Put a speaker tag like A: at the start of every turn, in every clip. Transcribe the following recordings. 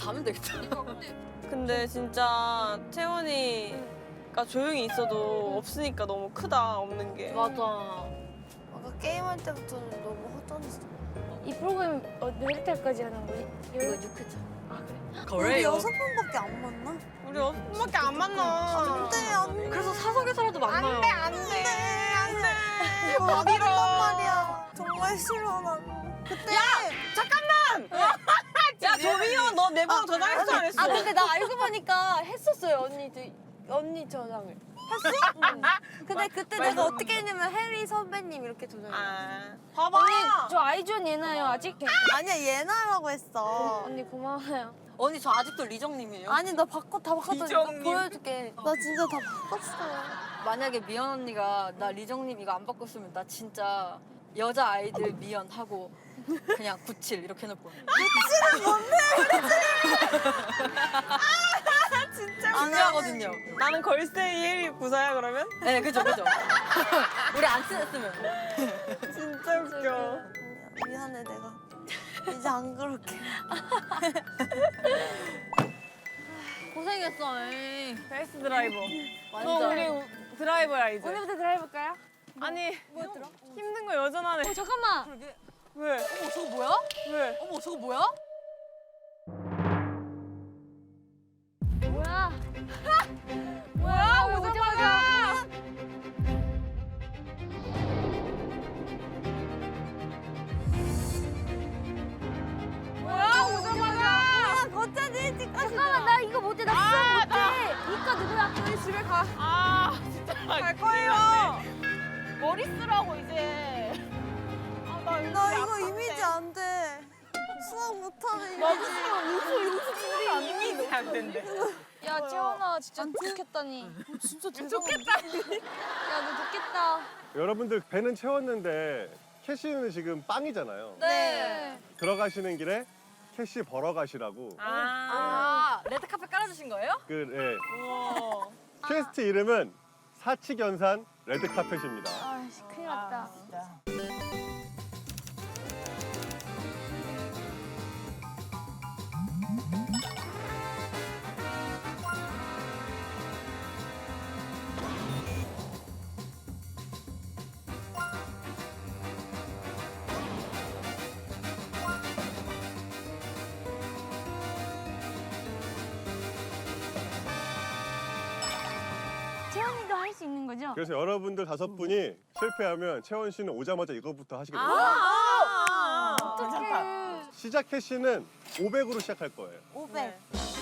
A: 가면 되겠다.
B: 근데 진짜 채원이가 조용히 있어도 없으니까 너무 크다, 없는 게.
A: 맞아.
C: 아까 게임할 때부터는 너무 허전했어.
D: 이 프로그램 몇 회까지 하는 거지?
A: 이거 6회차.
C: 우리
A: 그래요.
C: 6번밖에 안 만나?
B: 우리 엄마밖에 안 만나.
C: 안 돼, 안 돼.
A: 그래서 사석에서라도 만나요.
B: 안 돼, 안 돼.
C: 이거 어디란 말이야. 정말 싫어, 난. 그때.
B: 야, 조미연, 너 내 번호 저장했어, 안 했어?
C: 아, 근데 나 알고 보니까 했었어요, 언니 저장을. 했어? 응. 근데 그때 내가 어떻게 했냐면 해리 선배님 이렇게 저장했어.
B: 아, 봐봐.
D: 언니 저 아이존 예나요 아직?
C: 아니야, 예나라고 했어.
D: 언니 고마워요.
A: 언니 저 아직도 리정님이에요.
C: 아니, 나 다 바꿨더니
B: 이정님.
C: 보여줄게. 나 진짜 다 바꿨어.
A: 만약에 미연 언니가 나 리정님 이거 안 바꿨으면 나 진짜 여자 아이들 미연 하고 그냥 97 이렇게 해놓을 거야.
B: 진짜
A: 중요하거든요.
B: 나는 걸스데이 혜리 부사야, 그러면?
A: 네, 그죠. 우리 안 친했으면.
B: 진짜 웃겨.
C: 미안해, 내가. 이제 안 그럴게.
A: 고생했어. 에이.
B: 베이스 드라이버.
A: 완전.
B: 너 우리 드라이버야, 이제.
D: 오늘부터 드라이브할까요?
B: 아니, 힘든 거 여전하네.
D: 잠깐만.
A: 그러게.
B: 왜?
A: 어머 저거 뭐야?
B: 왜?
A: 어머 저거 뭐야?
D: 뭐야? 뭐야? 오자마자.
B: 뭐야, 오자마자.
C: 거짜지 찍까지.
D: 잠깐만 나 이거 못해. 나 수영 못해. 이과 누구야?
B: 저희 집에 가. 아, 진짜. 갈 거예요. 머리 쓰라고, 이제. 아, 나
C: 나 이거 이미지 안 돼. 수학 못하는 이미지.
B: 이미지 안 된대.
D: 야 채원아 진짜 좋겠다니.
C: 진짜
B: 좋겠다.
D: 야 너 좋겠다.
E: 여러분들 배는 채웠는데 캐시는 지금 빵이잖아요.
A: 네.
E: 들어가시는 길에 캐시 벌어 가시라고.
A: 아, 레드카펫 깔아주신 거예요?
E: 그 퀘스트 이름은 사치견산 레드카펫입니다.
D: 아씨 큰일 났다. 채원이도 할 수 있는 거죠?
E: 그래서 여러분들 5분이 실패하면 채원 씨는 오자마자 이거부터 하시게 됩니다.
B: 아,
D: 어떡해.
E: 시작 캐시는 500으로 시작할 거예요.
C: 500.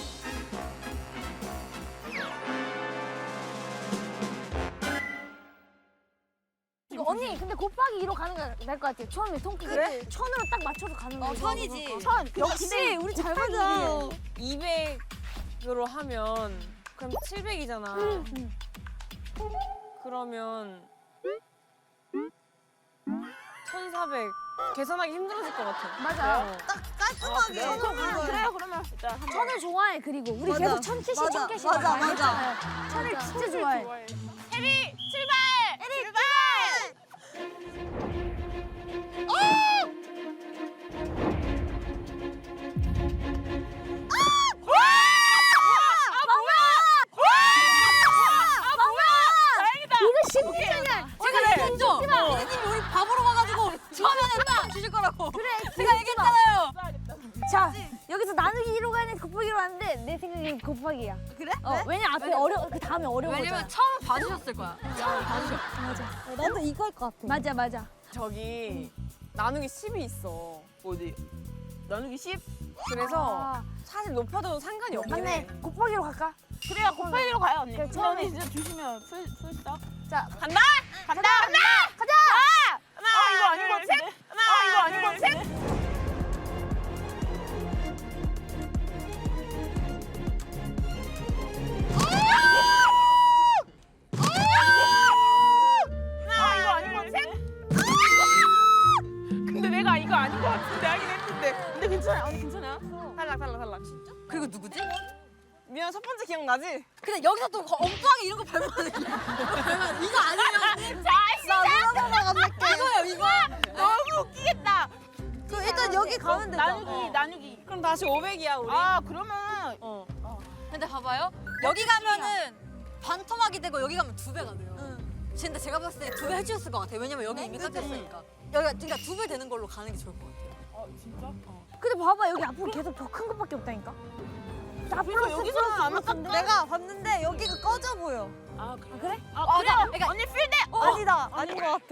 D: 이거 언니 근데 곱하기 2로 가는 게 나을 것 같아요. 처음에 통키.
C: 그래?
D: 천으로 딱 맞춰서 가는 거예요.
A: 천이지.
D: 천.
C: 역시 우리 잘 맞아.
B: 200으로 하면 그럼 700이잖아. 그러면 1400. 계산하기 힘들어질 것 같아.
D: 맞아요.
C: 딱 깔끔하게.
B: 그래요, 그러면 일단
D: 천을 좋아해. 그리고 우리
C: 맞아.
D: 계속 천 캐시
C: 맞아.
D: 천 캐시
C: 맞아,
D: 많이
C: 맞아.
D: 했잖아요. 천을 진짜 좋아해.
B: 혜리 출발! 혜리 출발!
D: 이거 쉽잖아.
A: 제가 얘기했죠? 피디님이 우리 바보로 와가지고 처음에는 빵 주실 거라고. 그래, 제가 얘기했잖아요.
D: 자 여기서 나누기 1로 가야 돼. 곱하기 1로 하는데 내 생각엔 곱하기야.
C: 그래?
D: 왜냐 앞에 그 다음에 어려운 거잖아.
A: 왜냐면 처음 봐주셨을 거야. 처음 봐주셨.
C: 나도 이거 할 것 같아.
D: 맞아.
B: 저기 나누기 10이 있어. 어디? 나누기 10? 그래서
D: 아,
B: 사실 높아도 상관이 없긴 해.
D: 맞네. 곱하기로 갈까?
B: 그래야 곱하기로 가요, 언니.
D: 그래, 처음에
B: 진짜 주시면 풀스톱.
D: 자
B: 간다! 간다!
D: 가자.
B: 하나, 이거 아니고 셋! 하나, 이거 아니고 셋! 이거 아니고 셋! 근데 내가 이거 아닌 것 같은데 하긴 했는데. 근데 괜찮아, 언니 괜찮아? 탈락. 진짜?
A: 그리고 누구지?
B: 미안, 첫 번째 기억나지?
A: 근데 여기서 또 엉뚱하게 이런 거 밟으면 이거 아니면
B: 자,
C: 나 누나가 안 할게.
A: 이거예요, 이거.
B: 너무 웃기겠다.
C: 그 일단 여기 여기 가면 되잖아.
B: 나누기.
C: 그럼 다시 500이야 우리.
B: 아, 그러면
A: 근데 봐봐요. 여기 가면은 반토막이 되고 여기 가면 2배가 돼요. 근데 제가 봤을 때 2배 해주셨을 것 같아요. 왜냐면 여기 이미 깎였으니까. 여기가 그러니까 2배 되는 걸로 가는 게 좋을 것 같아요.
B: 진짜?
D: 근데 봐봐 여기 앞으로 계속 더 큰 것밖에 없다니까.
B: 그래서 여기서는 안 깎아.
C: 내가 봤는데 여기가 꺼져 보여.
B: 아,
D: 그래?
B: 아, 그래?
A: 그러니까
B: 언니 필드!
C: 아니다. 아닌 것 같아.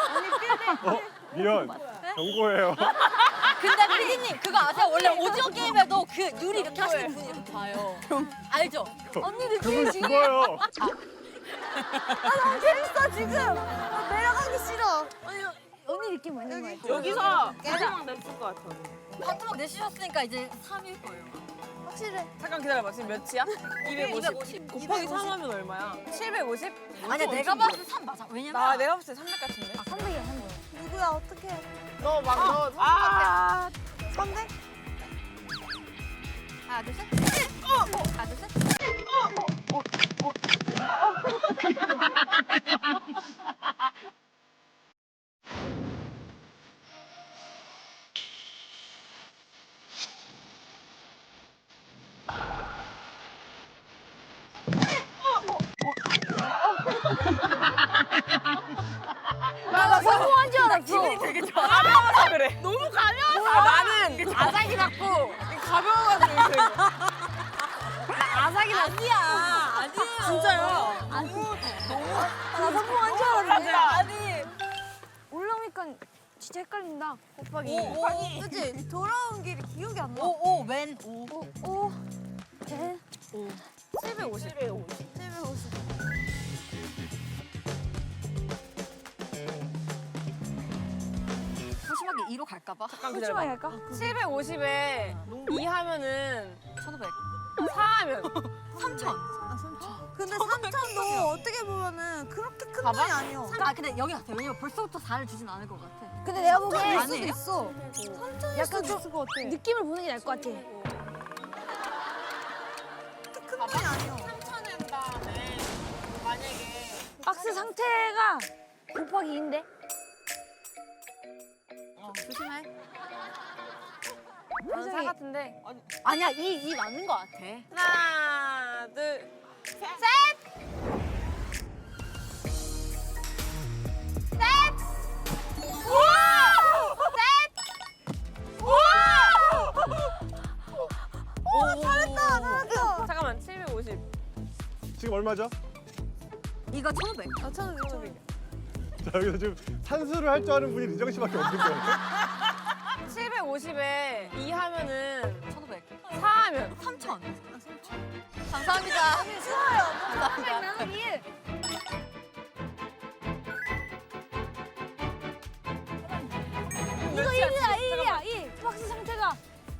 E: 미연 경고해요.
A: 근데 피디님 그거 아세요? 원래 오징어 게임에도 그 유리 이렇게 하시는 분이 이렇게 봐요. 알죠? 언니들
E: 그분 죽어요.
C: 너무 재밌어 지금. 내려가기 싫어.
D: 언니 느낌 맞는 거 같아.
B: 여기서 마지막 냈을 것 같아.
A: 반토막 내주셨으니까 이제 3일 거예요.
C: 확실해.
B: 잠깐 기다려봐. 지금 몇이야? 250. 곱하기 3 하면 얼마야? 750?
A: 아니야 내가 봤을 때 3 맞아. 왜냐면
B: 내가 봤을 때 300 같은데?
D: 300이야 300.
C: 누구야 어떻게?
B: 너 아,
C: 300?
A: 하나 둘 셋. 하나 둘 셋.
D: 나 성공한 줄 알았어.
B: 가벼워서 그래. 너무 가벼워서. 나는 아삭이 났고 가벼워가지고 이렇게. 아삭이 났어.
A: 아니야. 아니에요.
B: 진짜요?
D: 나 성공한 줄 알았는데.
A: 아니.
D: 올라오니까 진짜 헷갈린다. 곱하기.
A: 오.
C: 그치? 돌아온 길이 기억이 안 나.
A: 오, 웬, 오.
D: 오. 제.
B: 750.
C: 750.
A: 소심하게 2로 갈까봐.
D: 소심하게 할까?
B: 750에 2 하면은
A: 1500.
B: 4 하면
A: 3000.
C: 근데 3천도 어떻게 보면은 그렇게 큰 돈이 아니야.
A: 아, 근데 여기 같아. 왜냐면 벌써부터 4를 주진 않을 것 같아.
D: 근데 내가
C: 일
D: 보기엔
C: 수도 있어. 3천일
D: 약간
C: 수도 있을 것 같아.
D: 느낌을 보는 게 나을 것 같아.
C: 그렇게 큰 돈이 아니야.
B: 3천에 다음에 만약에
D: 박스 상태가 곱하기 2인데?
A: 조심해.
B: 사 같은데.
A: 아니야, 2 맞는 것 같아.
B: 하나, 둘, 셋.
C: 잘했다.
B: 잠깐만, 750.
E: 지금 얼마죠?
A: 이거 1500.
C: 4,500.
E: 자 여기서 지금 산수를 할 줄 아는 분이 리정 씨밖에 없는 거예요.
B: 750에 2 하면은
A: 1500.
B: 4 하면
A: 3000. 감사합니다.
D: 곱하기 나누기 1. 이거 1이야 1. 박스 상태가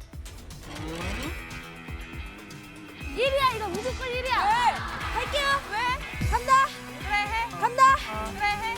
D: 1이야 이거 무조건 1이야. 할게요. 왜? 간다.
B: 그래 해.
D: 간다.
B: 그래 해.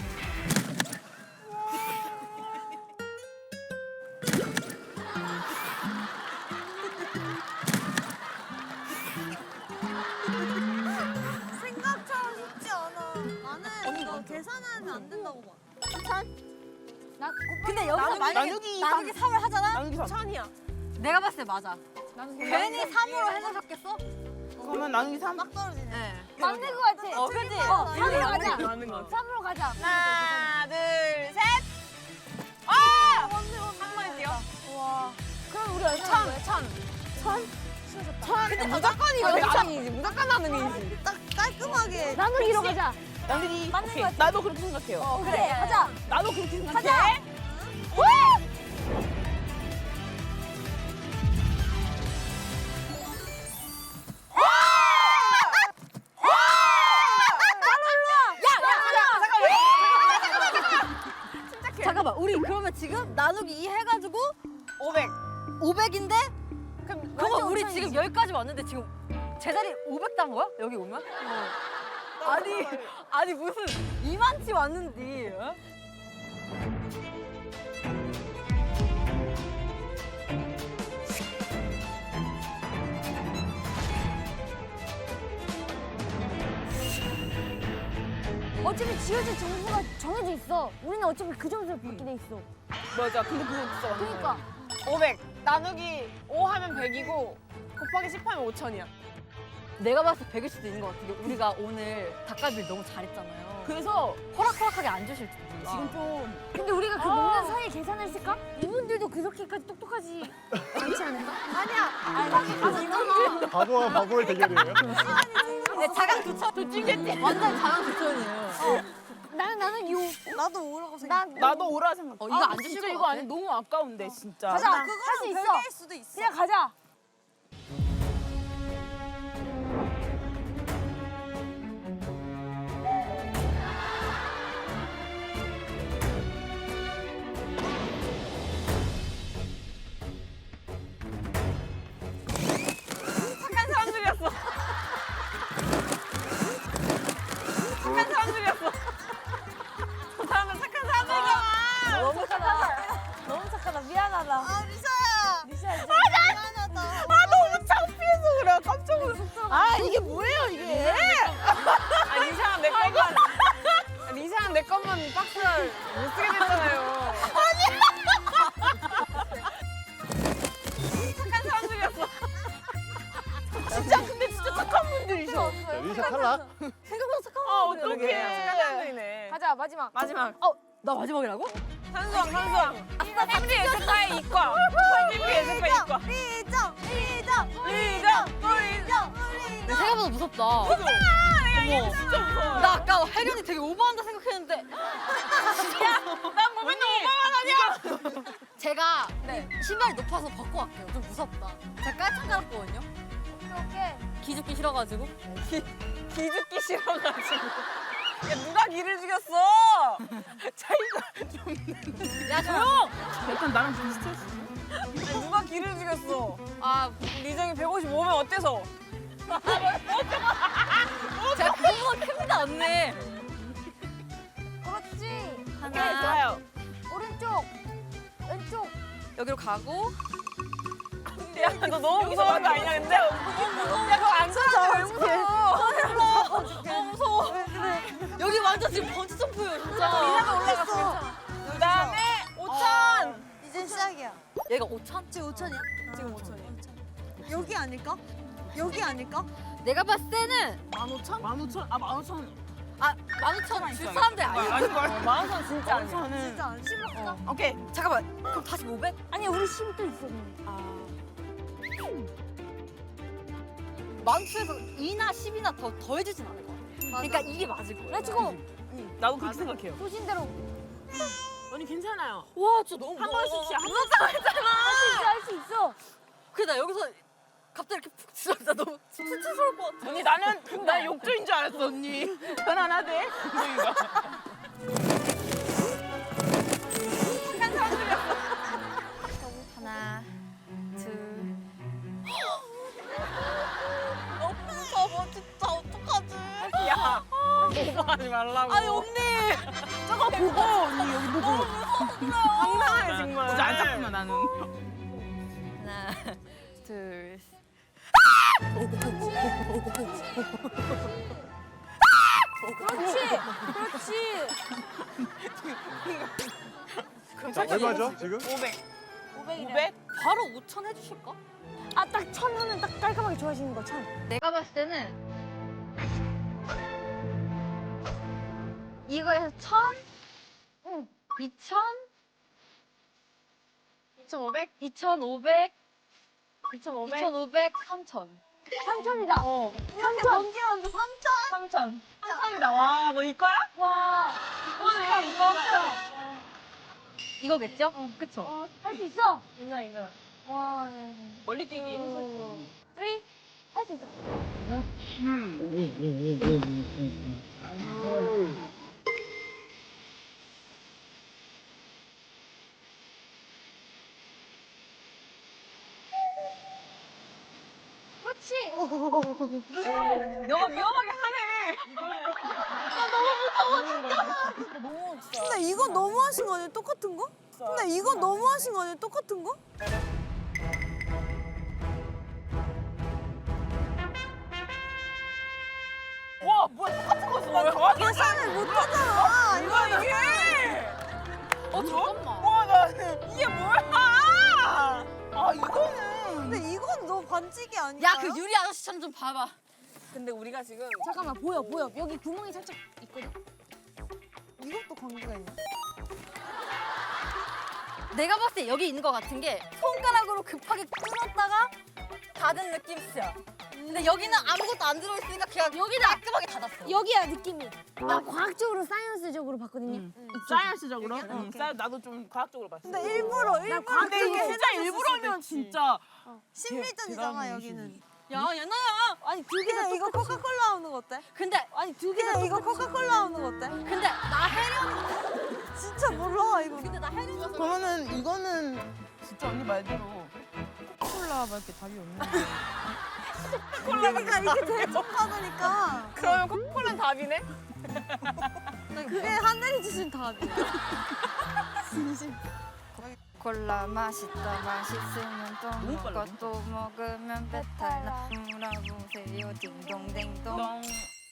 C: 생각처럼 쉽지 않아. 나는 이거 계산하면 안 된다고 봐.
D: 나 곱하기
A: 근데 여기서 만약에
B: 나누기
A: 나누기 3을 하잖아?
B: 나누기 3이야.
A: 내가 봤을 때 맞아. 괜히 3으로 해놓으셨겠어?
B: 그러면 나누기 3?
C: 막 떨어지네.
A: 네.
D: 맞는 거 같아.
A: 그지?
D: 3으로 가자.
B: 맞는 거 같아.
D: 3으로 가자.
B: 하나, 둘, 셋. 아! 한 번에 뛰어.
D: 와. 그럼 우리 얼마 한 거야?
B: 1,000. 근데 무조건 이거 나누기지. 무조건 나누기지.
C: 딱 깔끔하게.
D: 나누기로 가자.
B: 나누기.
D: 맞는
B: 오케이.
D: 거 같아.
B: 나도 그렇게 생각해요.
D: 그래, 가자.
B: 나도 그렇게 생각해.
D: 가자.
A: 잠깐만, 우리 그러면 지금 나누기 2 해가지고
B: 500.
A: 500인데?
B: 그럼
A: 그러면 우리 지금 여기까지 왔는데 지금 제자리 500 단 거야? 여기 오면? 아니 무슨 이만치 왔는데 어?
D: 어차피 지어질 점수가 정해져 있어. 우리는 어차피 그 점수를 받게 돼 있어.
B: 맞아. 근데 그거 진짜 맞는
D: 그러니까
B: 500 나누기 5 하면 100이고 곱하기 10 하면 5,000이야.
A: 내가 봤을 때 100일 수도 있는 것 같은 게 우리가 오늘 닭갈비를 너무 잘했잖아요.
B: 그래서
A: 호락호락하게 안 주실 줄 몰라.
B: 지금 좀
D: 근데 우리가 그 먹는 사이에 계산을 했을까? 이분들도 그렇게까지 똑똑하지 않지 않을까?
E: 바보와 바보의 대결이에요.
A: 네, 자강 두천. 도찐겠지. 완전 자강 두천이에요.
D: 나는 요.
C: 나도 5라고 생각해.
B: 나도 오라 생각.
A: 이거 안 주실
B: 진짜
A: 것
B: 이거
A: 같아?
B: 아니 너무 아까운데 진짜.
D: 가자.
C: 나
D: 할수
C: 그거랑
D: 있어.
C: 별개일 수도 있어.
D: 그냥 가자.
B: 착한 사람들이었어. 착한 사람들이었어. 저 사람은 착한 사람들이잖아.
D: 너무 착하다. 너무 착하다. 미안하다.
C: 아 리사야.
D: 리샤 진짜
C: 미안하다.
B: 아 너무 창피해서 그래. 깜짝 놀랐어. 아 이게 뭐예요 이게? 아 리사랑 내 것만 리사랑 내 것만 박스를 못 쓰게 됐잖아요. 착한 사람들이었어. 진짜 근데 진짜 착한 분들이셔.
E: 자, 리샤 탈락.
A: 생각보다 착한
B: 아
A: 분들이야,
B: 어떡해.
A: 되게.
B: 착한 사람들이네.
D: 가자 마지막.
B: 마지막.
A: 나 마지막이라고?
B: 산수왕. 패밀리 예술가의 이과. 패밀리 예술가의 이과.
C: 리정.
A: 근데 생각보다 무섭다.
B: 야, 얘
A: 어머.
B: 진짜 무서워.
A: 나 아까 혜련이 되게 오버한다 생각했는데
B: 난 뭐 맨날 오버만 하냐?
A: 제가 신발이 높아서 벗고 갈게요. 좀 무섭다. 제가 깔창 깔았거든요.
D: 오케이.
A: 기죽기 싫어가지고.
B: 기죽기 싫어가지고. 야, 누가 기를 죽였어? 차이가 좀.
A: 야 조용!
B: 약간 나랑 비슷했어. 누가 기를 죽였어?
A: 아
B: 리정이 155면 어때서?
A: 제가 그거보다 큽니다 언니.
D: 그렇지.
B: 오케이, 좋아요.
D: 오른쪽. 왼쪽.
A: 여기로 가고.
B: 야, 너 너무 무서운 거 아니냐, 근데? 야, 그거 안 가져. 왜 무서워?
A: 너무 무서워. 여기 완전 지금 번지 점프예요 진짜.
B: 리사도 올라갔어. 그 다음에 5,000.
C: 이제 시작이야.
A: 얘가 5천?
C: 지금 5천이야?
B: 지금 5,000이야.
C: 여기 아닐까? 여기 아닐까?
A: 내가 봤을 때는
B: 15,000? 15,000? 아, 15,000.
A: 아 15,000 줄 사람들이 아니야.
B: 아닌걸? 15,000 진짜 아니야.
C: 진짜 안 심었어.
B: 오케이.
A: 잠깐만 그럼 다시 500?
D: 아니 우리 10도 있었는데.
A: 만투에서 2나 10이나 더 해주진 않을 것 같아. 그러니까 이게 맞을 거야.
D: 렛츠고.
B: 나도 그렇게 생각해요.
D: 소신대로.
B: 언니 괜찮아요.
A: 와 진짜 너무
B: 한 번씩씩 한
A: 무섭다고 했잖아.
D: 할 수 있어.
A: 그래 나 여기서 갑자기 이렇게 푹 들어가다 너무 수치스러울 것 같아.
B: 언니 나는 나 욕조인 줄 알았어 언니. 편안하대. 언니가. 착한 사람들이었어.
A: 하나 둘.
C: 너무 무서워 진짜 어떡하지?
B: 야, 오버하지 말라고.
A: 아니 언니.
B: 저거 보고 언니 여기 보고. 황당해 정말. 진짜 안 잡히면 나는.
A: 하나 둘.
D: 그렇지.
E: 자, 얼마죠 지금?
B: 500.
D: 500이래.
B: 500?
A: 바로 5천 해주실까?
D: 아딱 1000 하면 딱 깔끔하게 좋아하시는 거 1000.
A: 내가 봤을 때는 이거에서 1000, 2000,
B: 2,500?
A: 2500,
B: 2,500?
A: 2500, 3000.
D: 3000이다. 3000.
B: 3,000. 3,000이다. 와, 너 이거야?
D: 와.
B: 오늘 이거.
A: 이거겠죠? 그쵸?
D: 할 수 있어.
B: 이거.
D: 와.
B: 멀리 뛰기.
D: 3. 할 수 있어. 그렇지.
B: 너가 위험하게 하네.
C: 근데 이거 너무 하신 거 아니야? 똑같은 거? 근데 이거 너무 하신 거 아니야? 똑같은 거?
B: 와, 뭐야, 똑같은 거 있어. 나 정확히
C: 계산을 못 하잖아.
B: 이거 이게.
A: 잠깐만.
B: 와, 나 이게 뭐야?
C: 만지기 아니야?
A: 야 그 유리 아저씨처럼 좀 봐봐.
B: 근데 우리가 지금
D: 잠깐만 보여. 여기 구멍이 살짝 있거든.
C: 이것도 관계가 있네.
A: 내가 봤을 때 여기 있는 것 같은 게 손가락으로 급하게 뚫었다가 닫은 느낌이야. 근데 여기는 아무것도 안 들어있으니까 그냥 여기다 깔끔하게 닫았어.
D: 여기야 느낌이. 나 과학적으로 사이언스적으로 봤거든요.
B: 사이언스적으로? 나도 좀 과학적으로 봤어.
C: 근데 일부러
B: 근데 이게 진짜 일부러면 진짜
C: 심리전이잖아 여기는.
A: 야 연아야.
C: 아니 두 개는 이거 코카콜라 나오는 거 어때?
A: 근데
C: 아니 두 개는 이거 코카콜라 나오는 거 어때?
A: 근데 나 해령.
C: 진짜 몰라 이거.
A: 근데 나 해령.
B: 그러면은 이거는 진짜 언니 말대로 코카콜라밖에 답이 없는데.
C: 그러니까 이게 대적하다니까.
B: 그러면 코카콜라는 답이네?
C: 그게 하늘이 주신 답이야.
F: 콜라 맛있다 맛있으면 또 먹고 또 먹으면 배탈 나 물어보세요 딩동댕동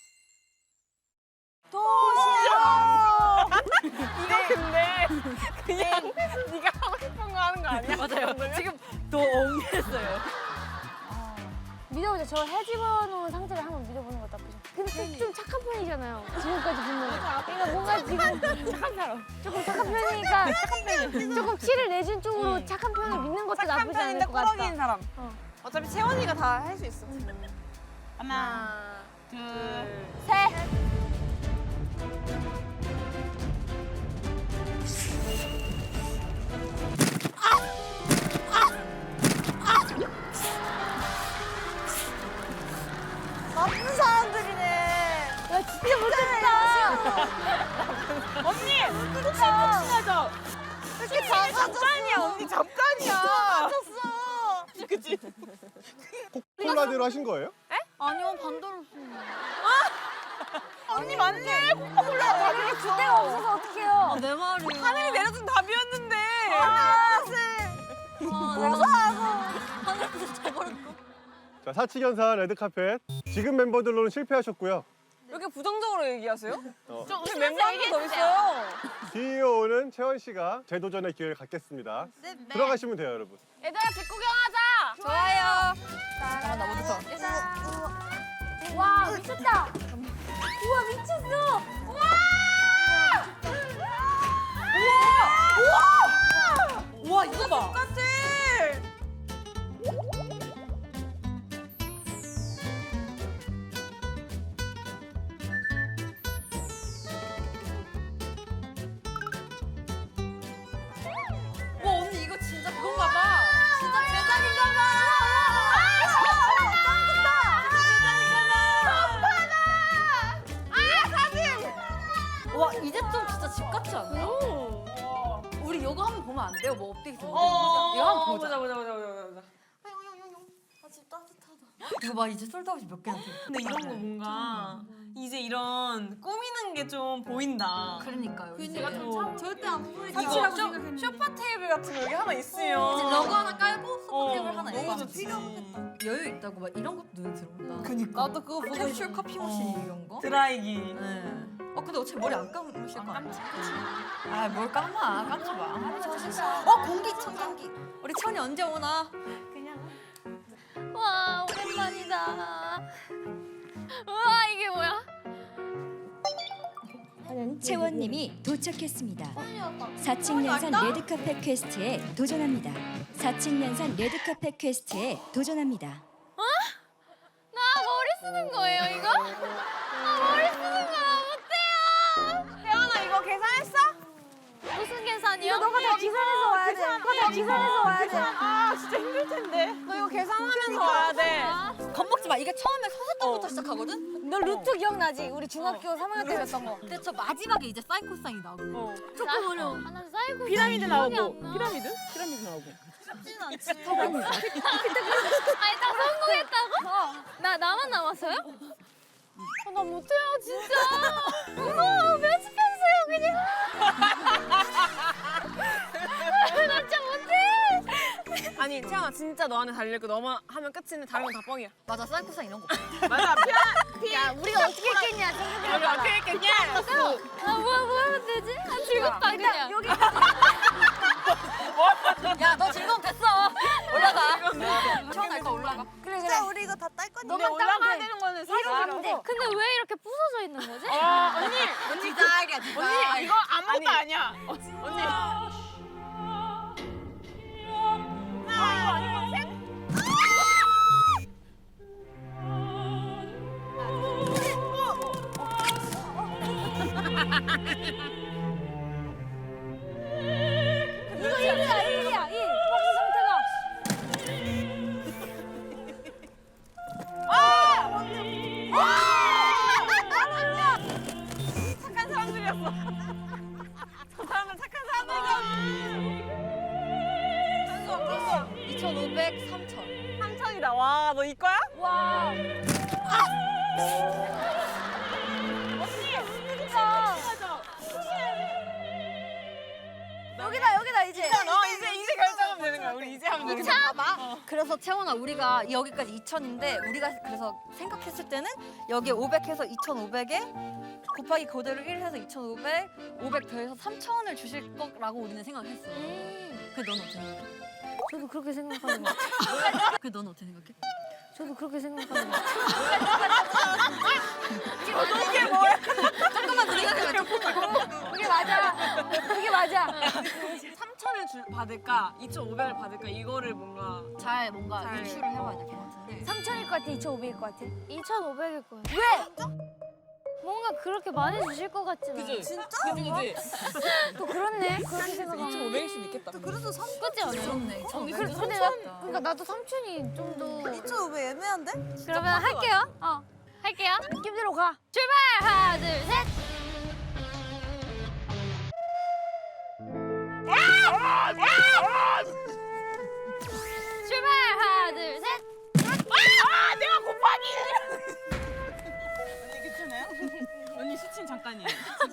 C: 도시락.
B: 이거 근데 그냥 네가 하고 싶은 거 하는 거 아니야?
A: 맞아요. 지금 더 엉했어요.
D: 믿어보자. 저 해집어놓은 상태를 한번 믿어보는 것도 나쁘죠. 근데 좀 착한 편이잖아요. 지금까지 보면. 그러니까 뭔가 지금 착한 사람. 조금 착한 편이니까 조금 티를 내준 쪽으로 착한 편을 믿는 것도
B: 착한
D: 나쁘지 않을
B: 편인데
D: 것 같다.
B: 꾸러기인 사람. 어차피 채원이가 다 할 수 있어. 하나, 둘,
D: 셋.
C: 나쁜 사람들이네.
D: 야 진짜 못했다.
B: 언니! 혹시 친하죠?
C: 이렇게
B: 잠깐이야 언니 잠깐이야.
C: 맞았어.
B: 그치?
E: 콜라대로 하신 거예요?
A: 아니요 반대로.
B: 언니 맞네. 코카콜라 답이
D: 그때가 없어서 어떡해요.
A: 내 말이야.
B: 하늘이 내려준 답이었는데.
A: 하늘에서 져버렸어.
E: 자, 사치견산 레드카펫. 지금 멤버들로는 실패하셨고요.
B: 왜 이렇게 부정적으로 얘기하세요?
E: 어,
B: 우리 멤버 한 명 더 있어요.
E: DO는 채원 씨가 재도전의 기회를 갖겠습니다. 들어가시면 돼요, 여러분.
B: 얘들아 집 구경하자.
A: 좋아요.
B: 잠깐만 나 먼저.
D: 와 미쳤다. 우와 미쳤어.
B: 우와 이거 봐. 똑같아.
A: 와 언니 이거 진짜 그건가 봐. 진짜 제작인가 봐. 와 이제 좀 진짜 집 같지 않나? 우리 이거 한번 보면 안 돼요? 뭐 업데이트 되는지. 이거 한번 보자.
B: 보자.
C: 아집 따뜻하다.
A: 이거 봐 이제 솔드아웃이 몇 개나 돼.
G: 근데 이런 거 뭔가 이제 이런 꾸미는 게 좀 보인다.
A: 그러니까요. 이제
C: 절대 안 보이지.
G: 이거 쇼파 테이블 같은 거 여기 하나 있으면
A: 러그 하나 깔고 소파 테이블 하나
G: 너무
A: 있고
G: 좋지.
A: 여유 있다고 막 이런 것도 눈에 들어온다.
G: 그니까.
A: 나도 그거 보고 캡슐 커피 머신 이런 거.
G: 드라이기.
A: 네. 근데 어차피 머리 안 감으실 거 아니야? 아뭘 감아 감지 마. 공기 청정기. 우리 천이 언제 오나?
D: 와 오랜만이다. 우와 이게 뭐야?
H: 채원님이 도착했습니다. 4층 연산 레드카펫 퀘스트에 도전합니다. 4층 연산 레드카펫 퀘스트에 도전합니다.
D: 나 머리 쓰는 거예요 이거? 나 머리 쓰는 거야 못해요.
B: 태연아 이거 계산했어?
D: 무슨 계산이요?
C: 너가 다 계산해서 와야 돼. 너가 다 계산해서 와야 돼.
B: 아 진짜 힘들 텐데. 너 이거 계산하면서 와야 돼.
A: 겁먹지 마. 이게 처음에 서술 때부터 시작하거든.
D: 너 루트 기억나지? 우리 중학교 3학년 때 했던 거.
A: 근데 저 마지막에 이제 사인 코사인이 나오고.
D: 조금 어려워. 나 사이코
B: 피라미드
D: 기억이
B: 나오고.
D: 안 나.
B: 피라미드? 피라미드 나오고.
D: 아니 딱 성공했다고? 나만 남았어요? 나 못해요 진짜. 무서워 편집해주세요 그냥. 나 진짜 못해.
B: 아니 태연아 진짜 너한테 달릴 거 너만 하면 끝인데 다른 건 다 뻥이야.
A: 맞아 사인 코사인 이런 거.
B: 맞아
D: 야 우리가 어떻게 했겠냐 생각해봐.
B: 어떻게 했겠냐?
D: 뭐 하면 되지? 아 즐겁다 그냥. 여기
A: 야 너 즐거움 됐어. 올라가. 처음 알거 올라.
G: 올라가.
D: 그래
C: 진짜 우리 이거 다 딸 거니까.
B: 근데 올라가야 되는 거는 사실이라고.
D: 근데 왜 이렇게 부서져 있는 거지?
B: 언니
A: 디자이야 디자이.
B: 언니 이거 아무것도 아니야. 언니. 이거 아니고 셋.
D: 이거 1이야 1. 박스 상태가.
B: 착한 사람들이었어. 저 사람은 착한 사람들이야.
A: 2,500, 3,000.
B: 3천이다. 와, 너 이거야?
D: 와.
C: 여기다 이제.
B: 이제 결정하면 되는 거야. 우리 이제 하면 되는 거야.
A: 봐봐. 그래서 채원아 우리가 여기까지 2,000인데 우리가 그래서 생각했을 때는 여기 500해서 2,500에 곱하기 그대로 1 해서 2,500, 500 더해서 3,000을 주실 거라고 우리는 생각했어. 근데 넌 어떻게 생각해?
D: 저도 그렇게 생각하는 것 같아요.
A: 근데 넌 어떻게 생각해?
D: 저도 그렇게 생각하는 것 같아요.
B: 이게 뭐야?
A: 잠깐만 생각해봐.
D: 그게 맞아. 그게 맞아.
B: 3천을 받을까? 2,500을 받을까? 이거를 뭔가
A: 잘 뭔가
B: 잘.
A: 유추를 해봐야 될 것 같은데.
D: 3,000일 것 같아? 2,500일 것 같아? 2,500일 것 같아. 왜? 뭔가 그렇게 많이 주실 것 같진 않아.
C: 진짜?
B: 그지?
D: 또 그렇네. 그렇게 생각하면.
B: 2,500일 수도 있겠다.
C: 그래서 3
D: 그치 않아?
A: 그렇네.
D: 근데 나, 그러니까 나도 3,000이 좀 더.
C: 2,500 애매한데?
D: 그러면 할게요. 할게요. 느낌대로 가. 출발! 하나, 둘, 셋! 출발! 하나, 둘, 셋!
B: 내가 곱하기! 언니 괜찮아요? 언니 수친 잠깐이에요.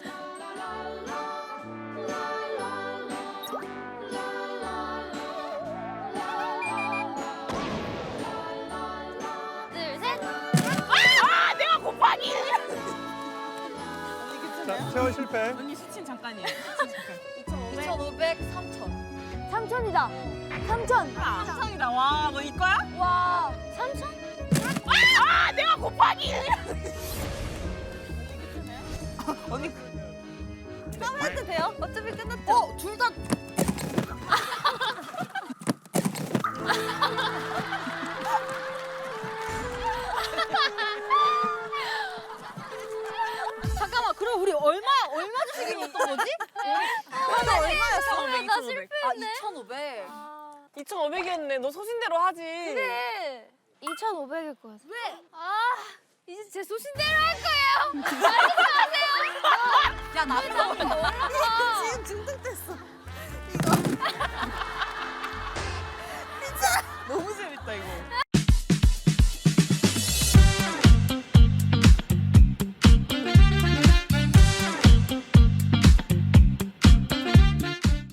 D: 둘, 셋!
B: 내가 곱하기!
E: 자, 채원 실패.
B: 언니 수친 잠깐이에요.
A: 2,500, 3,000.
D: 3,000이다. 3,000.
B: 3천이다. 와, 너 이거야?
D: 와, 3,000?
B: 내가 곱하기! 언니
C: 처음 해도 돼요? 어차피 끝났죠?
A: 둘 다. 잠깐만, 그럼 우리 얼마 주시기로 했던 거지?
C: 하나 얼마였어?
D: 나 실패.
A: 아, 2,500.
B: 2,500이었네. 너 소신대로 하지.
D: 그래. 2,500일 것 같아. 왜? 이제 제 소신대로 할 거예요. 말씀하세요.
A: 야, 나도